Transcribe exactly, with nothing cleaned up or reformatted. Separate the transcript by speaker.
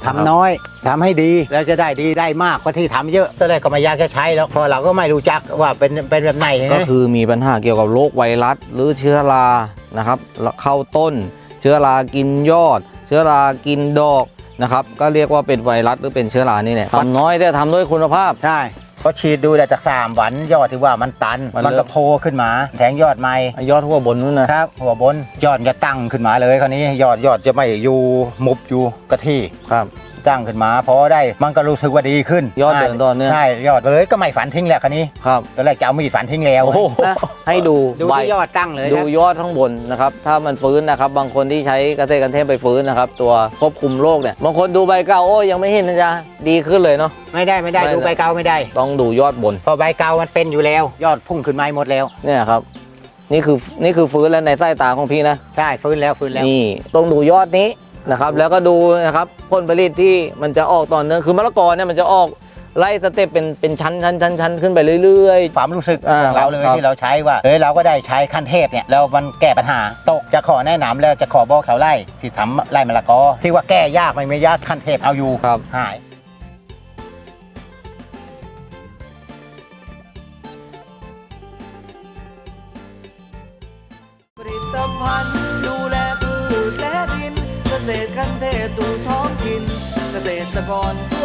Speaker 1: ทำน้อยทำให้ดีแล้วจะได้ดีได้มากกว่าที่ทำเยอะตอนแรกก็ไม่อยากจะใช้แล้วเพราะเราก็ไม่รู้จักว่าเป็นเป็นแบบไหน
Speaker 2: ก็คือมีปัญหาเกี่ยวกับโรคไวรัสหรือเชื้อรานะครับเข้าต้นเชื้อรากินยอด เชื้อรากินดอกนะครับก็เรียกว่าเป็นไวรัสหรือเป็นเชื้อรานี่แหละทำน้อยแต่ทำด้วยคุณภาพ
Speaker 1: ใช่พอฉีดดูแต่จากสามวันยอดที่ว่ามันตันมันก็โผล่ขึ้นมาแทงยอดใหม่
Speaker 2: ยอดหัวบนนู้นนะครับ
Speaker 1: หัวบนยอดจะตั้งขึ้นมาเลยคราวนี้ยอดยอดจะไม่อยู่มุบอยู่กะที่
Speaker 2: ครับ
Speaker 1: ตั้งขึ้นมาพอได้มันก็รู้สึกว่าดีขึ้น
Speaker 2: ยอดเดินตอนเนี้ย
Speaker 1: ใช่ยอดเลยก็ไม่ฝันทิ้งแหละคราวนี้
Speaker 2: ครับ
Speaker 1: ตอนแรกจะเอามีดฝันทิ้งแล้ว
Speaker 2: นะให้ดู
Speaker 1: ดูยอดตั้งเลย
Speaker 2: ดูยอดข้างบนนะครับถ้ามันฟื้นนะครับบางคนที่ใช้เกษตรกันเทพไปฟื้นนะครับตัวควบคุมโรคเนี่ยบางคนดูใบเก่าโอ้ยังไม่เห็นนะจ๊ะดีขึ้นเลยเนาะ
Speaker 1: ไม่ได้ไม่ได้ดูใบเก่าไม่ได้
Speaker 2: ต้องดูยอดบน
Speaker 1: พอใบเก่ามันเป็นอยู่แล้วยอดพุ่งขึ้นมาหมดแล้ว
Speaker 2: เนี่ยครับนี่คือนี่คือฟื้นแล้วในสายตาของพี่นะ
Speaker 1: ใช่ฟื้นแล้วฟื้นแล้ว
Speaker 2: นี่ต้องดูยอดนี้นะครับแล้วก็ดูนะครับผลผลิตที่มันจะออกตอนเนื่องคือมะละกอเนี่ยมันจะออกไล่สเต็ปเป็นเป็นชั้นชั้นชั้นชั้นขึ้นไปเรื่อย
Speaker 1: ๆความรู้สึกของเราเลยที่เราใช้ว่าเฮ้ยเราก็ได้ใช้ขั้นเทพเนี่ยแล้วมันแก้ปัญหาตกจะขอแนะนำแล้วจะขอบอกเขาไล่ที่ทำไล่มะละกอที่ว่าแก้ยากไม่ไม่ยากขั้นเทพเอาอยู่
Speaker 2: ครับ
Speaker 1: หาย
Speaker 3: ผลิตภัณฑ์ดูแลพืชและดินเกษตรขั้นเทพสู่ท้องถิ่นเกษตรกร